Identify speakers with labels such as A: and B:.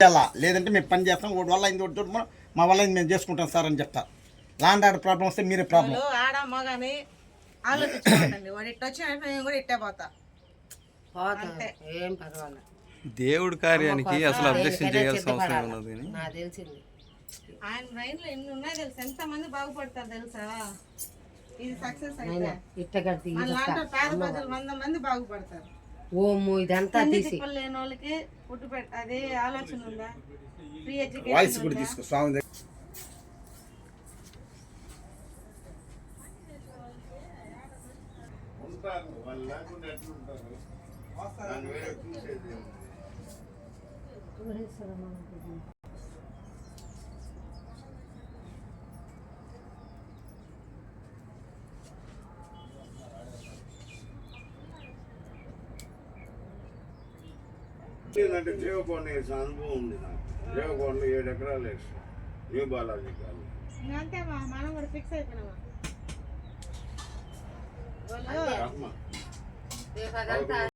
A: పెట్టాలా, లేదంటే మేము పని చేస్తాం, ఒకటి వల్ల అయింది ఒకటి చూడమో మా వల్ల అయింది మేము చేసుకుంటాం సార్ అని చెప్తా. లాండ్ ఆర్డర్ ప్రాబ్లం వస్తే మీరే ప్రాబ్లం.
B: ఆడ మగాని ఆలోచించుకోండి, వాడు ఇట్ట వచ్చినట్టు నేను కూడా ఇట్టే పోతా.
C: ఏం పర్వాలేదు.
D: దేవుడి కార్యానికి అసలు అబ్జెక్షన్ చేయాల్సిన అవసరం ఉన్నది.
C: నాకు తెలిసింది
B: ఆయన మైండ్ లో ఎన్ని ఉన్నాయి తెలుసా, ఎంత మంది బాగుపడతారు తెలుసా. ఇది సక్సెస్ అయితే
C: ఇట్టగట్టి
B: పేద ప్రజలు 100 మంది బాగుపడతారు.
C: ఓము ఇదంతా తీసి
B: లేని వాళ్ళకి ఫుడ్ అదే ఆలోచన ఉందా, ఫ్రీ
A: వాయిస్ కూడా
B: ఎడ్యుకేషన్
A: తీసుకో స్వామి దగ్గర.
E: ఏంటంటే దేవకొండ వేసిన అనుభవం ఉంది నాకు. దేవకొండ 7 ఎకరాలు వేస్తాం న్యూ బాలాజీ కాదు.
B: అంతే మనం కూడా ఫిక్స్ అయిపోయినామా.